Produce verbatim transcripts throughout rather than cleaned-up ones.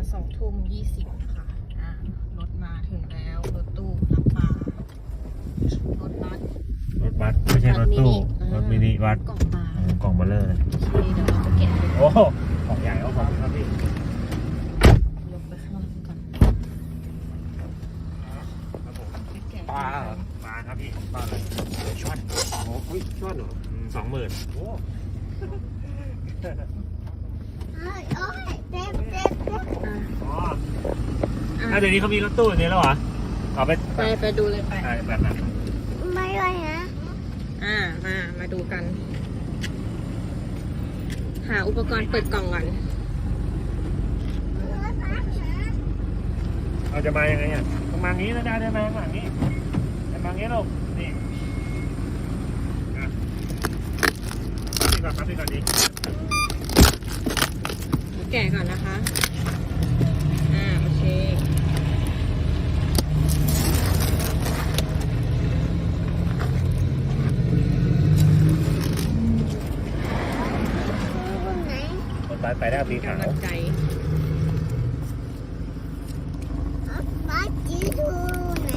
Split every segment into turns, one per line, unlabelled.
สองทุ่มยี่สิบค่ะอ่ารถมาถึงแล้วรถตู้รับปลารถบัส
รถบัสไม่ใช่รถตู้รถมินิบัส
กล่องปลาก
ล่องเบลเลอร์เลย
โอเคเดี๋ยวเราไปแกะ
โอ้ของใหญ่เอาของครับพี่
ยกไปข้างล่างก่อน
ปลาปลาครับพี่ปลาอะไรช่อนโอ้ยช่อนเหรอสองหมื่นโอ้อ๋อถ้าเดี๋ยวนี้เขามีรถตู้อย่างนี้แล้วเหรอเอาไป
ไปไปดูเลยไป
แบบนั้น
ไม่เลยนะ
อ่ามามาดูกันหาอุปกรณ์เปิดกล่องก่อน
เราจะมายังไงอ่ะต้องมางี้นะจ๊ะได้ไหมข้างหลังนี้จะมางี้ลูกนี่นี่ก่อนครับนี่ก่อนดี
แกะก่อนนะคะอ่าโอเค
รถบัสไปได้ปีขาว
กำลังใจ
บ้านจีทูไหน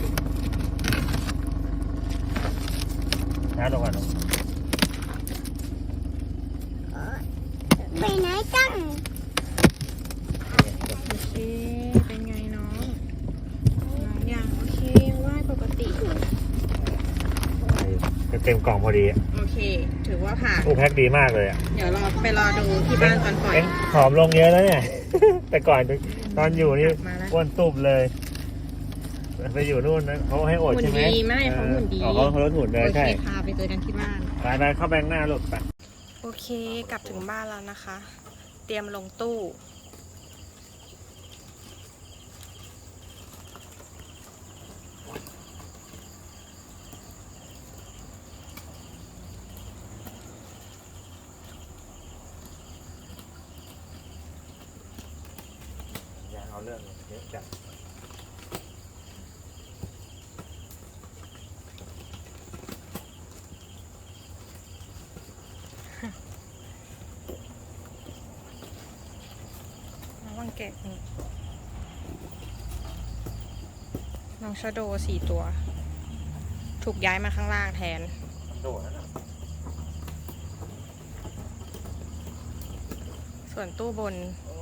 ช้าลงก่อน
ไปไหนจัง
โอเคเป็นไงน้องน้องยังโอเคว่ายปกติ
เต็มกล่องพอดี
โอเคถือว่าผ่าน
อู้แพ็คดีมากเลยอ่ะ
เดี๋ยวรอไปรอดูที่บ้านตอนปล่อย
ผอมลงเยอะแล้วเนี่ยแต่ก่อนตอนอยู่นี่อ้วนตุบเลยไปอยู่นู่นนะเขาให้อดใช่ไหม
หุ่นดีไม่เขาหุ่นดี
เขาเขาลดหุ่นเลยใช่
พาไปเจอกันที่บ้าน
ไปไปเข้าแบงค์หน้าลูกไป
โอเคกลับถึงบ้านแล้วนะคะ เตรียมลงตู้
อยากเอาเรื่องเยอะจัง
น้องแกะนี่น้องชะโดสี่ตัวถูกย้ายมาข้างล่างแทน
โดดนะ
ส่วนตู้บน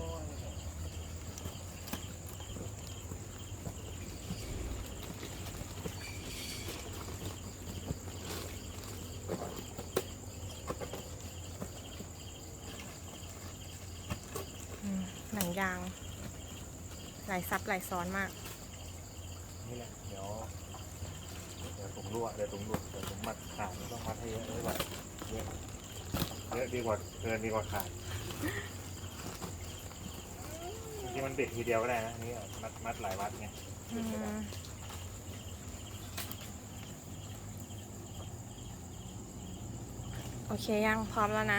หนังยางหลายซับหลายซ้อนมาก
นี่แหละเดี๋ยวเดี๋ยวถุงรั่วเดี๋ยวถุงรั่วเดี๋ยวถุงมัดขาดต้องมัดให้เยอะด้วยเยอะเยอะดีกว่าเกินดีกว่าขาดที่มันติดทีเดียวก็ได้นะนี่มัดมัดหลายวัดไง
โอเคยังพร้อมแล้วนะ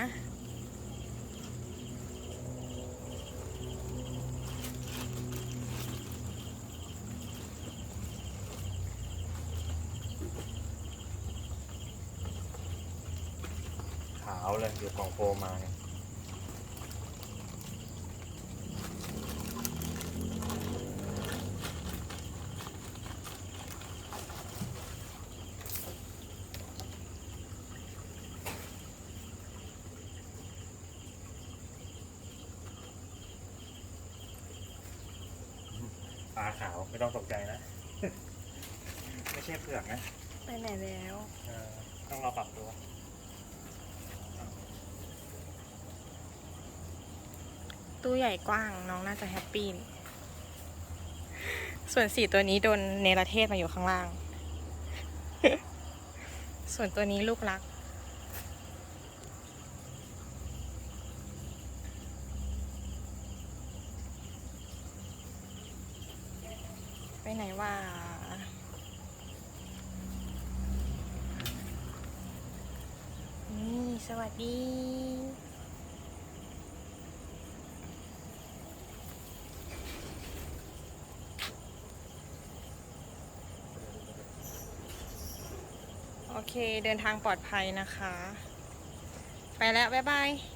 ขาวเลยเดี๋ยวกล่องโฟมมาไงปลาขาวไม่ต้องตกใจนะ ไม่ใช่เผือกนะ
ไปไหนแล้ว
ต้องรอปรับตัว
ตู้ใหญ่กว้างน้องน่าจะแฮปปี้ส่วนสี่ตัวนี้โดนเนรเทศมาอยู่ข้างล่าง ส่วนตัวนี้ลูกรักไปไหนวะนี่สวัสดีโอเคเดินทางปลอดภัยนะคะไปแล้วบ๊ายบาย